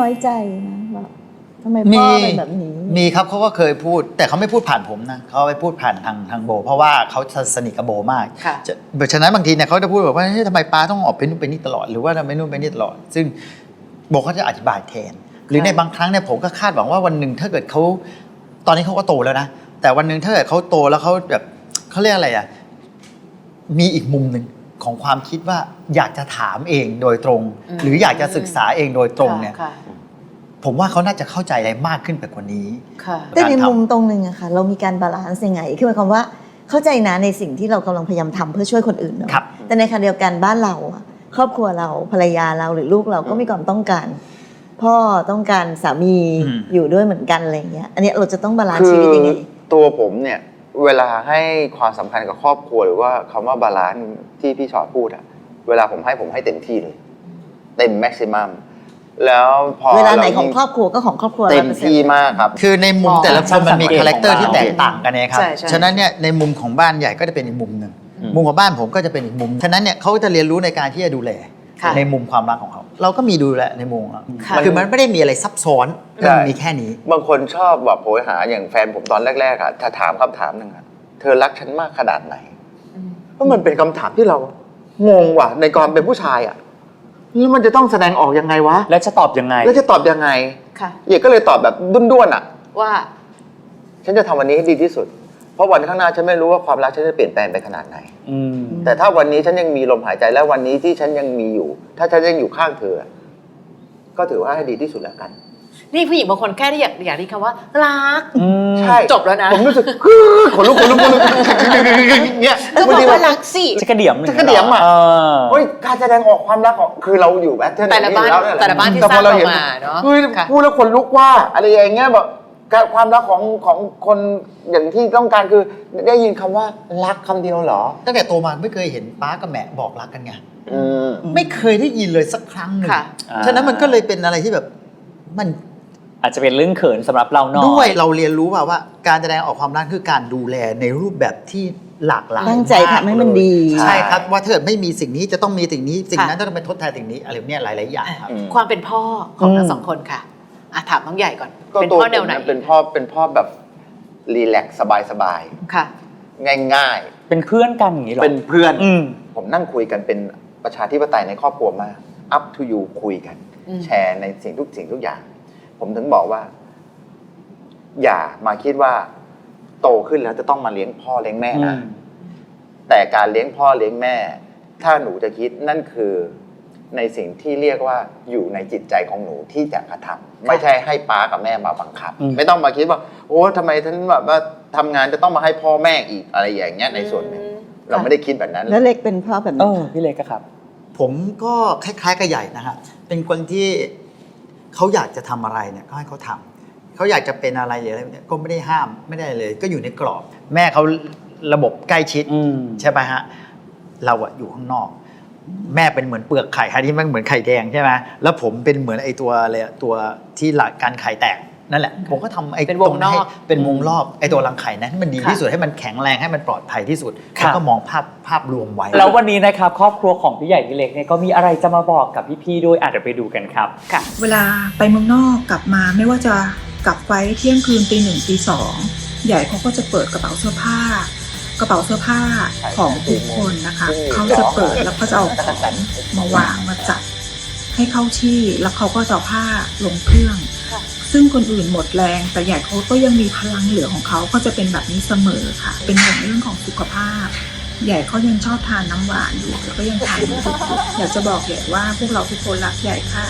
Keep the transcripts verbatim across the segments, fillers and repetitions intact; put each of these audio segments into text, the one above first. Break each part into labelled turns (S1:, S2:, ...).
S1: อยใจนะแบบทำไมพ่อเป็นแบบนี้
S2: มีครับเขาก็เคยพูดแต่เขาไม่พูดผ่านผมนะเขาไปพูดผ่านทางทางโบเพราะว่าเขาสนิทกับโบมากฉะนั้นบางทีเนี่ยเขาจะพูดแบบว่าทำไมป้าต้องออกไปนู่นไปนี่ตลอดหรือว่าทำไมนู่นไปนี่ตลอดซึ่งโบเขาจะอธิบายแทนหรือในบางครั้งเนี่ยผมก็คาดหวังว่าวันหนึ่งถ้าเกิดเขาตอนนี้เขาก็โตแล้วนะแต่วันหนึ่งถ้าเกิดเขาโตแล้วเขาแบบเขาเรียกอะไรอ่ะมีอีกมุมหนึ่งของความคิดว่าอยากจะถามเองโดยตรงหรืออยากจะศึกษาเองโดยตรงเนี่ยผมว่าเขาน่าจะเข้าใจอะไรมากขึ้นไปกว่านี้
S1: แต่ในมุมตรงหนึ่งอะค่ะเรามีการบาลานซ์ยังไงคือหมายความว่าเข้าใจนะในสิ่งที่เรากำลังพยายามทำเพื่อช่วยคนอื่นเนาะแต่ในขณะเดียวกันบ้านเราครอบครัวเราภรรยาเราหรือลูกเราก็มีความต้องการพ่อต้องการสามีอยู่ด้วยเหมือนกันอะไรเงี้ยอันนี้เราจะต้องบาลานซ์ชีวิตยังไง
S3: ตัวผมเนี่ยเวลาให้ความสำคัญกับครอบครัวหรือว่าคำว่าบาลานซ์ที่พี่ชอตพูดอะเวลาผมให้ผมให้เต็มที่เลยเต็มแม็กซิมัมแล้วพอ
S1: เวลาไหนของครอบครัวก็ของครอบครัว
S3: เต็มที่มากครับ
S2: คือในมุมแต่ละคนมันมีคาแรคเตอร์ที่แตกต่างกันนะครับฉะนั้นเนี่ยในมุมของบ้านใหญ่ก็จะเป็นอีกมุมหนึ่งมุมของบ้านผมก็จะเป็นอีกมุมฉะนั้นเนี่ยเขาจะเรียนรู้ในการที่จะดูแลในมุมความรักของเขาเราก็มีดูแลในมุมคือมันไม่ได้มีอะไรซับซ้อนมันมีแค่นี้
S3: บางคนชอบแบบโหยหาอย่างแฟนผมตอนแรกๆอะถ้าถามคำถามหนึ่งอะเธอรักฉันมากขนาดไหนเพราะมันเป็นคำถามที่เรางงว่ะในความเป็นผู้ชายอะแล้วมันจะต้องแสดงออกยังไงวะ
S4: แล้วจะตอบยังไง
S3: แล้วจะตอบยังไงค่ะเอกก็เลยตอบแบบด้วนๆอะ
S1: ว่า
S3: ฉันจะทำวันนี้ให้ดีที่สุดเพราะวันข้างหน้าฉันไม่รู้ว่าความรักฉันจะเปลี่ยนแปลงไปขนาดไหนแต่ถ้าวันนี้ฉันยังมีลมหายใจและวันนี้ที่ฉันยังมีอยู่ถ้าฉันยังอยู่ข้างเธอก็ถือว่าให้ดีที่สุดแล้วกัน
S5: นี่ผู้หญิงบางคนแค่ได้อยากอยากได้คำว่ารัก
S3: ใช่
S5: จบแล้วนะ
S3: ผมรู้สึกขนลุกขนลุกขนลุกเนี่ย
S5: ก็บอกว่ารักสิ
S4: จะกระเดี่ยม
S3: จะกระเดี่ยมอ่ะเฮ้ยการแสดงออกความรักของคือเราอยู่แบทเทิล
S5: แต่ละบ้านแต่ละบ้านที่สร้างออกมาเนาะ
S3: พูดแล้วขนลุกว่าอะไรอย่างเงี้ยแบบความรักของของคนอย่างที่ต้องการคือได้ยินคำว่ารักคำเดียวเหรอ
S2: ตั้งแต่โตมาไม่เคยเห็นป้ากับแม่บอกรักกันไงไม่เคยได้ยินเลยสักครั้งหนึ่งฉะนั้นมันก็เลยเป็นอะไรที่แบบมัน
S4: อาจจะเป็นเรื่องเขินสำหรับเราหน่อย
S2: ด้วยเราเรียนรู้ว่าว่าการแสดงออกความรักคือการดูแลในรูปแบบที่หลากหลาย
S1: ตั้งใจทำให้มันดี
S2: ใช่ครับว่าถ้าเกิดไม่มีสิ่งนี้จะต้องมีสิ่งนี้สิ่งนั้นต้องไปทดแทนสิ่งนี้อะไรเนี่ยหลายๆอย่างครับ
S5: ความเป็นพ่อของทั้งสองคนค่ะอ่ะถามน้องใหญ่ก่อน
S3: เป็นพ่อแนวไหนเป็นพ่อเป็นพ่อแบบรีแลกซ์สบาย
S5: ๆค่ะ
S3: ง่าย
S4: ๆเป็นเพื่อนกันอย่างนี้หรอ
S3: เป็นเพื่อนผมนั่งคุยกันเป็นประชาธิปไตยในครอบครัวมาก up to you คุยกันแชร์ในสิ่งทุกสิ่งทุกอย่างผมถึงบอกว่าอย่ามาคิดว่าโตขึ้นแล้วจะต้องมาเลี้ยงพ่อเลี้ยงแม่นะแต่การเลี้ยงพ่อเลี้ยงแม่ถ้าหนูจะคิดนั่นคือในสิ่งที่เรียกว่าอยู่ในจิตใจของหนูที่จะกระทำไม่ใช่ให้ป้ากับแม่มาบังคับไม่ต้องมาคิดว่าโอ้ทำไมฉันแบบว่าทำงานจะต้องมาให้พ่อแม่อีกอะไรอย่างเงี้ยในส่วนหนึ่งเราไม่ได้คิดแบบนั้น
S1: แล้วเล็กเป็นพ่อแบบนี้
S4: พี่เล็กครับ
S2: ผมก็คล้ายๆกับใหญ่นะครับเป็นคนที่เขาอยากจะทำอะไรเนี่ยก็ให้เขาทำเขาอยากจะเป็นอะไรหรืออะไรเนี่ยก็ไม่ได้ห้ามไม่ได้เลยก็อยู่ในกรอบแม่เขาระบบใกล้ชิดใช่ไหมฮะเราอะอยู่ข้างนอกแม่เป็นเหมือนเปลือกไข่ที่มันเหมือนไข่แดงใช่ไหมแล้วผมเป็นเหมือนไอ้ตัวอะไรตัวที่หลักการไข่แตกนั่นแหละผมก็ทำไอ้ตรงนี้เป็นวงรอบไอ้ตัวรังไข่นั้นให้มันดีที่สุดให้มันแข็งแรงให้มันปลอดภัยที่สุดแล้วก็มองภาพภาพรวมไว้
S4: แล้ววันนี้นะครับครอบครัวของพี่ใหญ่พี่เล็กเนี่ยก็มีอะไรจะมาบอกกับพี่ๆด้วยอาจจะไปดูกันครับ
S6: ค่ะเวลาไปเมืองนอกกลับมาไม่ว่าจะกลับไฟเที่ยงคืนตีหนึ่งตีสองใหญ่เขาก็จะเปิดกระเป๋าเสื้อผ้ากระเป๋าเสื้อผ้าของทุกคนนะคะเขาจะเปิดแล้วก็จะเอาของมาวางมาจัดให้เข้าที่แล้วเขาก็จะเอาผ้าลงเครื่องซึ่งคนอื่นหมดแรงแต่ใหญ่เขาก็ยังมีพลังเหลือของเขาก็จะเป็นแบบนี้เสมอค่ะเป็นห่วงเรื่องของสุขภาพใหญ่เขายังชอบทานน้ำหวานอยู่แล้วก็ยังทานอยู่อยากจะบอกใหญ่ว่าพวกเราทุกคนรักใหญ่ค่ะ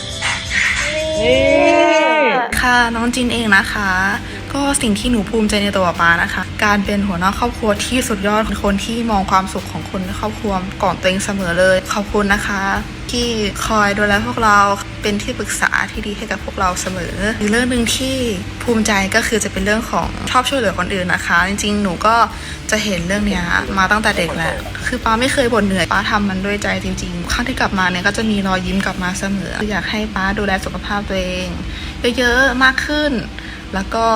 S7: ค่ะน้องจินเองนะคะก็สิ่งที่หนูภูมิใจในตัวป๊านะคะการเป็นหัวหน้าครอบครัวที่สุดยอดคนที่มองความสุขของคนในครอบครัวก่อนตัวเองเสมอเลยขอบคุณนะคะที่คอยดูแลพวกเราเป็นที่ปรึกษาที่ดีให้กับพวกเราเสมออีกเรื่องหนึ่งที่ภูมิใจก็คือจะเป็นเรื่องของชอบช่วยเหลือคนอื่นนะคะจริงๆหนูก็จะเห็นเรื่องนี้มาตั้งแต่เด็กแหละคือป๊าไม่เคยบ่นเหนื่อยป๊าทำมันด้วยใจจริงๆครั้งที่กลับมาเนี่ยก็จะมีรอยยิ้มกลับมาเสมออยากให้ป๊าดูแลสุขภาพตัวเองเยอะๆมากขึ้นแล้วก็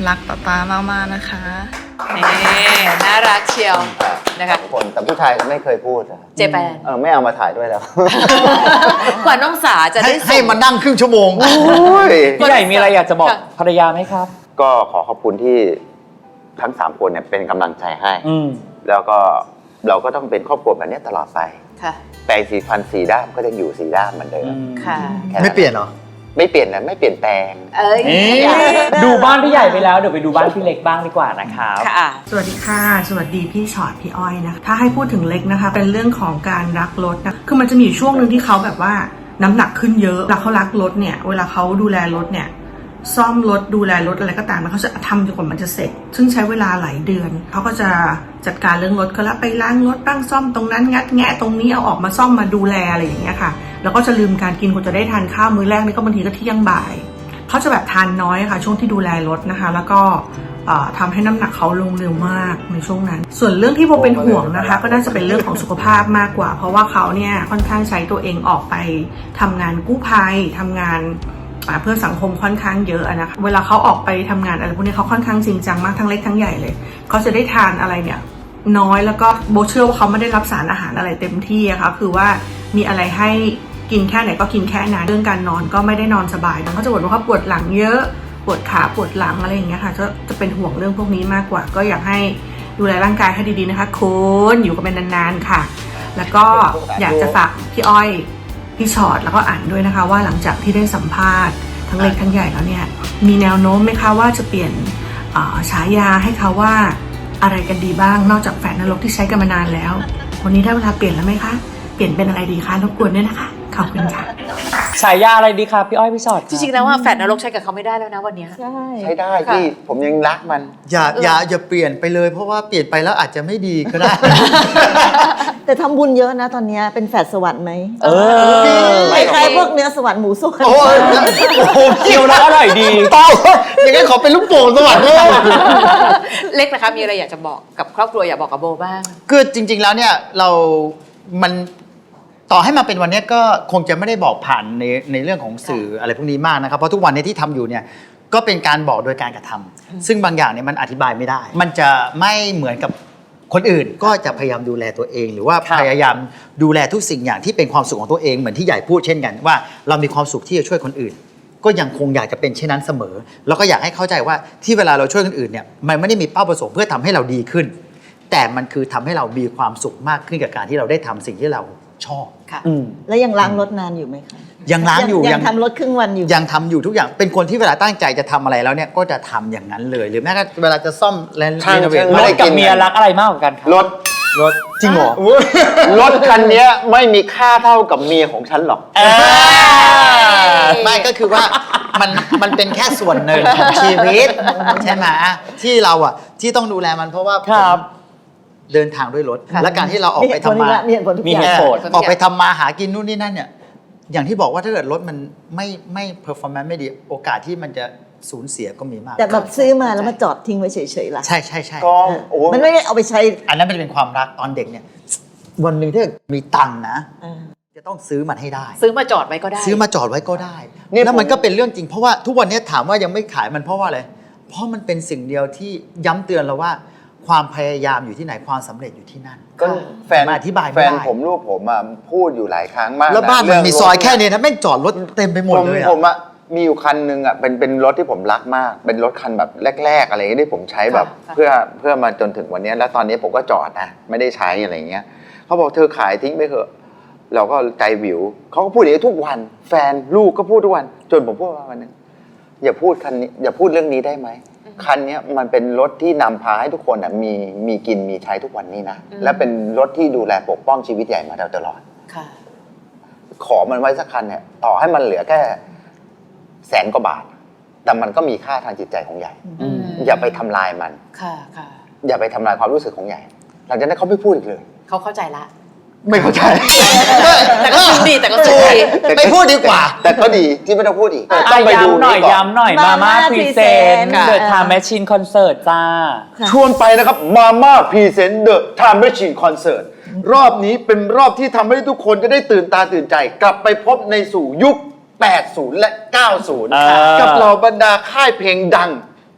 S7: รักป๊าป๊ามากๆนะคะ
S5: นี่น่ารักเชียวนะคะ
S3: สองคนแต่ผู้ชายก็ไม่เคยพูดอะ
S5: เจแปน
S3: เออไม่เอามาถ่ายด้วยแล้ว
S5: กว่าน้องสาจะ
S2: ให้
S5: ได้ส่ง
S2: ให้มานั่งครึ่งชั่วโมง
S3: โอ้ย
S4: พี่ใหญ่มีอะไรอยากจะบอก
S5: ค่ะ
S4: ภรรยาไหมครับ
S3: ก็ขอขอบคุณที่ทั้งสามคนเนี่ยเป็นกำลังใจให้
S4: อืม
S3: แล้วก็เราก็ต้องเป็นครอบครัวแบบนี้ตลอดไป
S5: ค่ะ
S3: แปรงสีฟันสีด้ามก็ยังอยู่สีด้ามเหมือนเดิม
S5: ค่ะ
S3: แค่นั้น
S2: ไม่เปลี่ยนเหรอ
S3: ไม่เปลี่ยนนะไม่เปลี่ยนแปลง
S5: เอ้ย
S4: ดูบ้านพี่ใหญ่ไปแล้วเดี๋ยวไปดูบ้านพี่เล็กบ้างดีกว่านะครับ
S5: ค่ะ
S6: สวัสดีค่ะ สวัสดีพี่ชอตพี่อ้อยนะถ้าให้พูดถึงเล็กนะคะ เป็นเรื่องของการรักรถนะคือมันจะมีอยู่ช่วงหนึ่งที่เขาแบบว่าน้ำหนักขึ้นเยอะแล้วเขารักรถเนี่ยเวลาเขาดูแลรถเนี่ยซ่อมรถดูแลรถอะไรก็ตามเขาจะทำจนกว่ามันจะเสร็จ ซึ่งใช้เวลาหลายเดือนเขาก็จะจัดการเรื่องรถก็แล้วไปล้างรถบ้างซ่อมตรงนั้นงัดแงะตรงนี้เอาออกมาซ่อมมาดูแลอะไรอย่างเงี้ยค่ะแล้วก็จะลืมการกินคนจะได้ทานข้าวมื้อแรกนี่ก็บางทีก็เที่ยงบ่ายเขาจะแบบทานน้อยค่ะช่วงที่ดูแลรถนะคะแล้วก็ทำให้น้ำหนักเขาลงเร็วมากในช่วงนั้นส่วนเรื่องที่โบเป็นห่วงนะคะก็น่าจะเป็นเรื่องของสุขภาพมากกว่าเพราะว่าเขาเนี่ยค่อนข้างใช้ตัวเองออกไปทำงานกู้ภัยทำงานเพื่อสังคมค่อนข้างเยอะนะคะเวลาเขาออกไปทำงานอะไรพวกนี้เขาค่อนข้างจริงจังมากทั้งเล็กทั้งใหญ่เลยเขาจะได้ทานอะไรเนี่ยน้อยแล้วก็โบเชื่อว่าเขาไม่ได้รับสารอาหารอะไรเต็มที่อะค่ะคือว่ามีอะไรให้กินแค่ไหนก็กินแค่นั้นเรื่องการนอนก็ไม่ได้นอนสบายเขาจะบ่นว่าเขาปวดหลังเยอะปวดขาปวดหลังอะไรอย่างเงี้ยค่ะจะจะเป็นห่วงเรื่องพวกนี้มากกว่า ก็อยากให้ดูแลร่างกายให้ดีๆนะคะคุณอยู่กันเป็นนานๆค่ะแล้วก็อยากจะฝากพี่อ้อยพี่ชอตแล้วก็อ่านด้วยนะคะว่าหลังจากที่ได้สัมภาษณ์ทั้งเล็กทั้งใหญ่แล้วเนี่ยมีแนวโน้มไหมคะว่าจะเปลี่ยนฉายาให้เขาว่าอะไรกันดีบ้างนอกจากแฝดนรกที่ใช้กันมานานแล้ววันนี้ได้เวลาเปลี่ยนแล้วไหมคะเปลี่ยนเป็นอะไรดีคะรบกวนด้วยนะคะขอบคุณค่ะ
S4: ฉายาอะไรดีครับพี่อ้อยพี่ชอต
S5: จริงๆแล้วว่าแฟนนรกใช้กับเขาไม่ได้แล้วนะวันเนี้ย
S1: ใช่
S3: ใช้ได้ที่ผมยังรักมัน
S2: อย่าอย่าอย่าเปลี่ยนไปเลยเพราะว่าเปลี่ยนไปแล้วอาจจะไม่ดีก็ได้
S1: แต่ทำบุญเยอะนะตอนเนี้ยเป็นแฝดสวรรค์ไหม
S4: เออ
S1: คล้ายๆพวกเนื้อสวรรค์หมูสวรรค์
S2: โอ้ยโอ้โห
S4: เคี้ยวแล้วอร่อยดี
S2: เต้าอย่างนั้นขอเป็นลูกโป่งสวรรค์เลย
S5: เล็กนะคะมีอะไรอยากจะบอกกับครอบครัวอยากบอกกับโบบ้าง
S2: คือจริง ๆแล้วเนี่ยเรา มันต่อให้มาเป็นวันนี้ก็คงจะไม่ได้บอกผ่านในในเรื่องของสื่ออะไรพวกนี้มากนะครับเพราะทุกวันนี้ที่ทำอยู่เนี่ยก็เป็นการบอกโดยการกระทำซึ่งบางอย่างเนี่ยมันอธิบายไม่ได้ มันจะไม่เหมือนกับคนอื่นก็จะพยายามดูแลตัวเอง หรือว่าพยายามดูแลทุกสิ่งอย่างที่เป็นความสุขของตัวเองเหมือนที่ใหญ่พูดเช่นกันว่าเรามีความสุขที่จะช่วยคนอื่น ก็ยังคงอยากจะเป็นเช่นนั้นเสมอแล้วก็อยากให้เข้าใจว่าที่เวลาเราช่วยคนอื่นเนี่ยมันไม่ได้มีเป้าประสงค์เพื่อทำให้เราดีขึ้น แต่มันคือทำให้เรามีความสุขมากขึ้นกับการที่เราได้ทำสิ่งที่เราชอบ
S5: ค่ะ
S4: อืม
S1: แล้วยังล้างรถนานอยู่ไหมคะ
S2: ยังล้างอยู่
S1: ยังทำรถครึ่งวันอยู่
S2: ยังทำอยู่ทุกอย่างเป็นคนที่เวลาตั้งใจจะทำอะไรแล้วเนี่ยก็จะทำอย่างนั้นเลย หรือแม้กระทั่งเวลาจะซ่อมและ
S3: ช่าง
S2: รีโนเวท
S3: ช่าง
S4: ร
S3: ไม่
S4: ถ
S3: ได้
S4: กับ
S3: กิน
S4: เมียรักอะไรมากกว่ากันครับ
S3: รถ
S2: รถจริงเหรอ
S3: รถคันนี้ไม่มีค่าเท่ากับเมียของฉันหรอก
S4: เออ
S2: ไม่ก็คือว่ามันมันเป็นแค่ส่วนหนึ่งของชีวิตใช่ไหมที่เราอ่ะที่ต้องดูแลมันเพราะว่า
S4: ครับ
S2: ผมเดินทางด้วยรถ และการที่เราออกไปทำมา
S1: มีเหตุผลทุก
S4: มี
S1: อย่า
S4: เห
S1: ง
S4: ตุผล
S2: ออกไปทำมาหากินนู่นนี่นั่นเนี่ยอย่างที่บอกว่าถ้าเกิดรถมันไม่ไม่ performance ไม่ดีโอกาสที่มันจะสูญเสียก็มีมาก
S1: แต่แบบซื้อมาแล้วมาจอดทิ้งไว้เฉยๆล่ะ
S2: ใช่ใช่ใช่
S3: ก็โอ้
S1: มันไม่ได้เอาไปใช้
S2: อันนั้นมันเป็นความรักตอนเด็กเนี่ยวันหนึ่งถ้าเกิดมีตังค์นะ
S1: อ่า
S2: จะต้องซื้อมันให้ได้
S5: ซื้อมาจอดไว้ก็ได้
S2: ซื้อมาจอดไว้ก็ได้
S3: เนี่ย
S2: แล้วมัน
S3: ผม
S2: ก็เป็นเรื่องจริงเพราะว่าทุกวันนี้ถามว่ายังไม่ขายมันเพราะว่าอะไรเพราะมันเป็นสิ่งเดียวที่ย้ำเตือนเราว่า ความพยายามอยู่ที่ไหนความสำเร็จอยู่ที่นั่น
S3: ก็แฟน
S2: มาอธิบายไม่
S3: แฟ
S2: ได้
S3: นผมลูกผมอ่ะพูดอยู่หลายครั้งมาก
S2: แล้วบ้าน
S3: ะ
S2: มันมี
S3: เรื่ง
S2: ซอย
S3: รถ
S2: แค่นี้นะแม่งจอดรถเต็มไปหมดเลย
S3: ผ
S2: อะ
S3: ผมอะมีอยู่คันหนึ่งอะเป็นเป็นรถที่ผมรักมาก เป็นรถคันแบบแรก ๆ อะไรที่ผมใช้แบบ
S5: ค่ะ
S3: เพื่อเพื่อมาจนถึงวันนี้แล้วตอนนี้ผมก็จอดนะไม่ได้ใช้อะไรเงี้ยเขาบอกเธอขายทิ้งไปเถอะเราก็ใจวิวเขาก็พูดอย่างนี้ทุกวัน แฟนลูกก็พูดทุกวัน จนผมพูดว่าวันหนึงอย่าพูดคันนี้อย่าพูดเรื่องนี้ได้ไหมคันนี้มันเป็นรถที่นำพาให้ทุกคนอะมีมีกินมีใช้ทุกวันนี้นะและเป็นรถที่ดูแลปกป้องชีวิตใหญ่มาตลอด
S5: ค่ะ
S3: ขอมันไว้สักคันเนี่ยต่อให้มันเหลือแค่แสนกว่าบาท แต่มันก็มีค่าทางจิตใจของใหญ่
S5: อืม
S3: อย่าไปทำลายมัน
S5: ค่ะค่ะ
S3: อย่าไปทำลายความรู้สึกของใหญ่ หลังจากนั้นเขาไม่พูดอีกเลย
S5: เขาเข้าใจละ
S3: ไม่เข้าใจ
S5: แต่ก็ซึ้งดีแต่ก็ซึ้งดี
S2: ไม่พูดดีกว่า
S3: แต่ก็ดีที่ไม่ต้องพูดอีก
S4: อ่ะ
S3: ต้องไปดู
S4: ย้ำหน่อย
S3: ก่อน
S4: ย้ำหน่อยมาม่า
S1: Mama
S4: พรีเซน
S1: Present
S4: ต์
S1: ค่ะ
S4: เดอะไทม์แมชชีนคอนเสิร์ตจ้า
S1: ค่ะ
S3: ชวนไปนะครับมาม่าพรีเซนต์เดอะไทม์แมชชีนคอนเสิร์ตรอบนี้เป็นรอบที่ทำให้ทุกคนจะได้ตื่นตาตื่นใจ กลับไปพบในสู่ยุค แปดสิบ และ เก้าสิบ
S4: อ่ากั
S3: กับเหล่าบรรดาค่ายเพลงดัง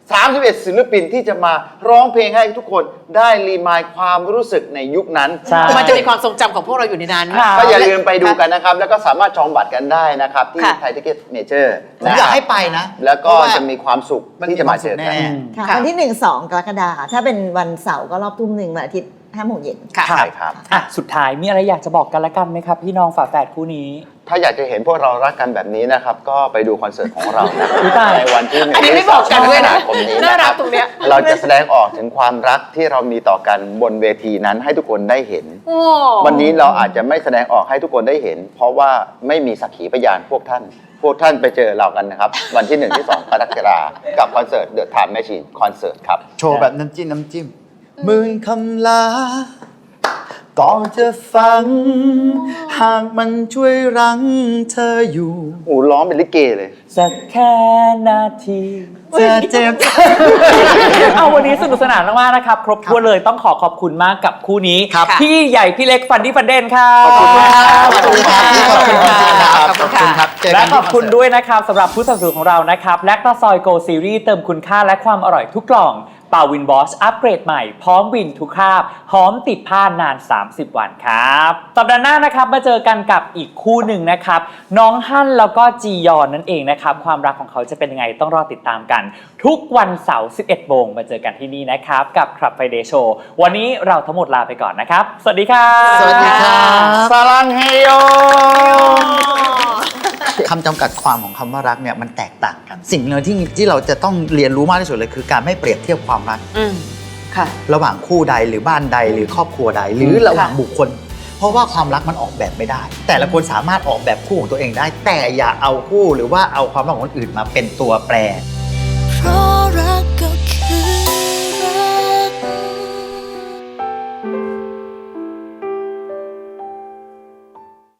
S3: สามสิบเอ็ดศิลปินที่จะมาร้องเพลงให้ทุกคนได้รีมายด์ความรู้สึกในยุคนั้น
S4: ใช่
S5: มันจะมีความทรงจำของพวกเราอยู่ในนั้น
S4: ค่ะ
S3: ก็อย่าลืมไปดูกันนะครับ แล้วก็สามารถจองบัตรกันได้นะครับ ที่
S5: ค่ะ
S3: ไทยทิเก็ตเมเจอร์
S2: ผมอยากให้ไปนะ
S3: แล้วก็
S2: เพราะว่า
S3: จะมีความสุขที่จะมาเจอกัน
S2: แน่
S1: ค่ะ
S5: ค่ะ
S1: วันที่หนึ่งสองกรกฎาคมถ้าเป็นวันเสาร์ก็รอบทุ่มหนึ่งวันอาทิตย์ห้าโมงเย็น
S5: ค่ะ
S3: ใช่ครับ
S4: อ่ะสุดท้ายมีอะไรอยากจะบอกกันละกันไหมครับ พี่น้องฝาแฝดคู่นี้
S3: ถ้าอยากจะเห็นพวกเรารักกันแบบนี้นะครับ ก็ไปดูคอนเสิร์ตของเรานะ
S4: อุ๊ยตาย
S3: ในวันที่หนึ่ง
S5: อันนี้ไม่บอกกันด้วยนะ
S3: คมนี้
S5: น่า
S3: นะค
S5: รั
S3: รั
S5: ก
S3: บ
S5: ตรงเนี้ย
S3: เราจะแสดงออกถึงความรักที่เรามีต่อกันบนเวทีนั้นให้ทุกคนได้เห็น
S5: โอ้
S3: วันนี้เราอาจจะไม่แสดงออกให้ทุกคนได้เห็น เพราะว่าไม่มีสักขีพยานพวกท่าน พวกท่านไปเจอเรากันนะครับ วันที่หนึ่งที่สองกรกฎาคมกับคอนเสิร์ต The Time Machine คอนเสิร์ตครับ
S2: โชว์แบบน้ำจิ้มน้ำจิ้มหมื่นคำลาก่อนจะฟัง หากมันช่วยรั้งเธออยู่
S3: โอ้ร้องเป็นลิเกเลย
S4: สักแค่นาที
S2: จะเจ็บ
S4: เอาวันนี้สนุกสนานมากๆนะครับ ครบถ้วนเลยต้องขอขอบคุณมากกับคู่นี้
S2: ครับ
S4: พี่ใหญ่พี่เล็กฟันดี้ฟันเดนครับ
S3: ขอบคุณมากครับ
S2: ขอบคุณครับขอบคุณครับ
S5: ขอบคุณค่ะ
S2: ครับเจอ
S4: และ
S2: กัน
S4: ข
S2: ที่
S4: อบคุณ
S2: นเสิร์ต
S4: ด้วยนะครับสำหรับผู้สนับสนุนของเรานะครับแลคตาซอยโกซีรีส์เติมคุณค่าและความอร่อยทุกกล่องเป่าวินบอสอัปเกรดใหม่พร้อมวินทุกคราบหอมติดผ้านานสามสิบวันครับสัปดาห์หน้านะครับมาเจอกันกับอีกคู่หนึ่งนะครับน้องฮั่นแล้วก็จียอนนั่นเองนะครับความรักของเขาจะเป็นยังไงต้องรอติดตามกัน ทุกวันเสาร์สิบเอ็ดโมงมาเจอกันที่นี่นะครับกับ Club Friday Show วันนี้เราทั้งหมดลาไปก่อนนะครับสวัสดีครับ
S2: สวัสดีครับ
S3: สลังเฮโย
S2: คำจำกัดความของคำว่ารักเนี่ยมันแตกต่างกัน สิ่งหนึ่งที่ที่เราจะต้องเรียนรู้มากที่สุดเลยคือการไม่เปรียบเทียบความรัก
S5: อืมค่ะ
S2: ระหว่างคู่ใดหรือบ้านใดหรือครอบครัวใด หรือระหว่างบุคคล เพราะว่าความรักมันออกแบบไม่ได้ แต่ละคนสามารถออกแบบคู่ของตัวเองได้ แต่อย่าเอาคู่หรือว่าเอาความรักของคนอื่นมาเป็นตัวแปร
S8: เพราะ